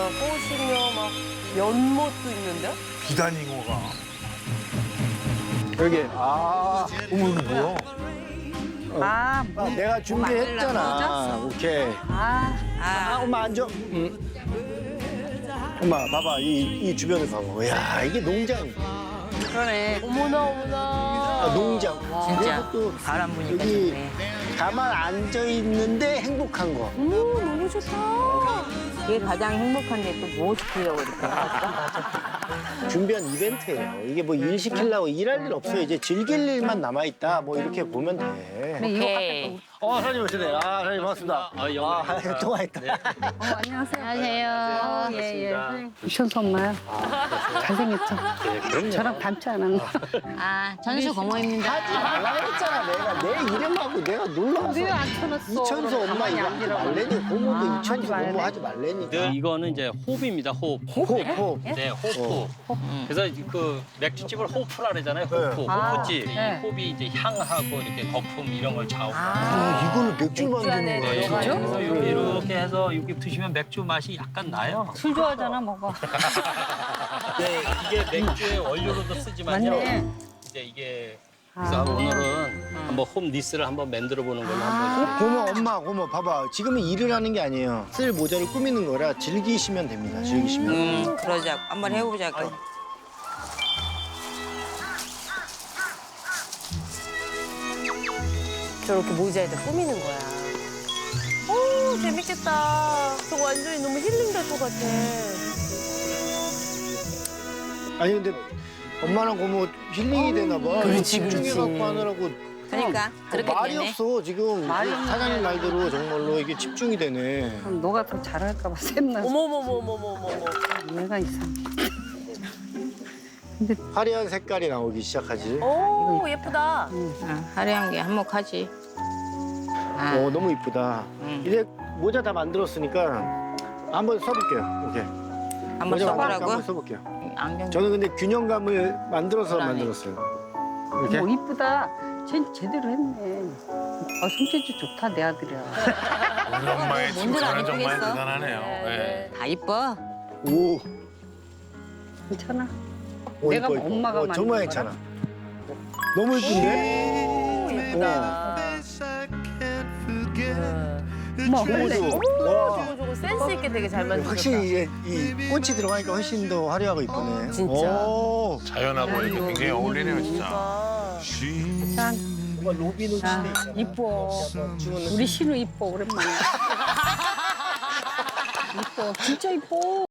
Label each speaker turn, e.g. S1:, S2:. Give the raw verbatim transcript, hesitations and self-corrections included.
S1: 꽃이며 막 연못도 있는데?
S2: 비단잉어가.
S3: 여기 아
S2: 어머 이거 뭐야?
S4: 아,
S3: 아, 내가 준비했잖아. 오케이.
S4: 아,
S3: 아, 엄마 앉아. 응. 엄마 봐봐 이, 이 주변을 봐봐. 야 이게 농장.
S4: 그러네.
S1: 어머나 어머나.
S3: 아, 농장.
S5: 진짜
S3: 또
S5: 바람 부니까
S3: 여기
S5: 좋네.
S3: 가만 앉아 있는데 행복한 거.
S1: 어머 너무 좋다.
S5: 그게 가장 행복한데 또 뭐 시키려고 그럴까?
S3: 준비한 이벤트예요. 이게 뭐 일 시키려고 일할 일 없어요. 이제 즐길 일만 남아 있다. 뭐 이렇게 보면 돼.
S5: 오케이.
S3: 어 사장님 오시네. 아 사장님 반갑습니다. 아 영화 아, 통화했다.
S4: 어, 안녕하세요.
S5: 안녕하세요.
S4: 예, 예. 이천수 엄마야. 잘생겼죠? 저랑 닮지 않았나?
S5: 아, 전수 고모입니다.
S3: 하지 말라 그랬잖아. 내가 내 이름하고 내가 놀라서.
S4: 왜 안 쳐놨어?
S3: 이천수 엄마
S4: 가만히
S3: 이거 하지
S4: 앉으라고.
S3: 말래니 고모도
S4: 아,
S3: 이천수
S4: 하지 말래.
S3: 고모 하지 말래니까.
S6: 네, 이거는 이제 호비입니다. 호흡.
S3: 호흡 호흡.
S6: 네, 호프.
S4: 어.
S6: 그래서 그 맥주집을 호프라 그러잖아요. 호프.
S4: 아,
S6: 호프집.
S4: 네.
S6: 이 호흡이 이제 향하고 이렇게 거품 이런 걸 좌우.
S3: 아, 이거를 맥주
S1: 맥주 안에
S3: 만드는 거예요.
S1: 들어가요?
S6: 그래서 여기 이렇게 해서 여기 드시면 맥주 맛이 약간 나요.
S4: 술 좋아하잖아, 먹어.
S6: 네, 이게 맥주의 원료로도 쓰지만요.
S4: 맞네.
S6: 이제 이게
S4: 아.
S6: 그래서 오늘은 한번 홈 니스를 한번 만들어 보는 걸로 한번.
S3: 고모 엄마 고모 봐봐. 지금은 일을 하는 게 아니에요. 쓸 모자를 꾸미는 거라 즐기시면 됩니다. 즐기시면.
S5: 음, 그러자. 한번 해보자고.
S1: 저렇게 모자에다 꾸미는 거야. 오 재밌겠다. 저거 완전히 너무 힐링 될 것 같아.
S3: 아니 근데 엄마랑 고모 힐링이 되나 봐.
S1: 그렇지,
S3: 집중해갖고
S1: 그렇지.
S3: 하느라고
S5: 그러니까 그렇게
S3: 말이
S5: 되네.
S3: 없어 지금.
S4: 말이 없네.
S3: 사장님 말대로 정말로 이게 집중이 되네.
S4: 그럼 너가 더 잘할까 봐 샘나.
S1: 어머머머머머머머.
S4: 얘가 이상.
S3: 화려한 색깔이 나오기 시작하지.
S1: 오 예쁘다.
S5: 아, 화려한 게 한몫하지. 아,
S3: 어 너무 이쁘다.
S5: 음.
S3: 이제 모자 다 만들었으니까 한번 써볼게요. 오케이.
S5: 한번
S3: 모자 만들니까
S5: 써보라고?
S3: 한번 써볼게요.
S5: 안경.
S3: 저는 근데 균형감을 만들어서
S5: 그러네.
S3: 만들었어요. 이렇게.
S4: 뭐 이쁘다. 쟤 제대로 했네. 아, 손재주 좋다, 내 아들이야.
S2: 우리 엄마의
S5: 뭔들 안
S2: 칭찬은 정말
S5: 이쁘겠어?
S2: 대단하네요. 예.
S5: 다 이뻐.
S3: 오.
S4: 괜찮아.
S3: 오,
S4: 내가
S3: 이뻐, 이뻐.
S4: 엄마가
S3: 어, 정말
S4: 만든
S3: 괜찮아. 너무 이쁜데?
S1: 오 예쁘다.
S4: 어머,
S3: 고모도.
S4: 원래.
S3: 와.
S1: 저거 저거 센스 있게 되게 잘 만들었다.
S3: 확실히 이제 이 꽃이 들어가니까 훨씬 더 화려하고 이쁘네.
S1: 진짜.
S3: 오.
S2: 자연하고 이렇게 굉장히 어울리네요 진짜.
S4: 짠.
S3: 뭔가 로비노
S4: 아,
S3: 침대 있잖아.
S4: 이뻐. 우리 신우 이뻐, 오랜만에. 이뻐, 진짜 이뻐.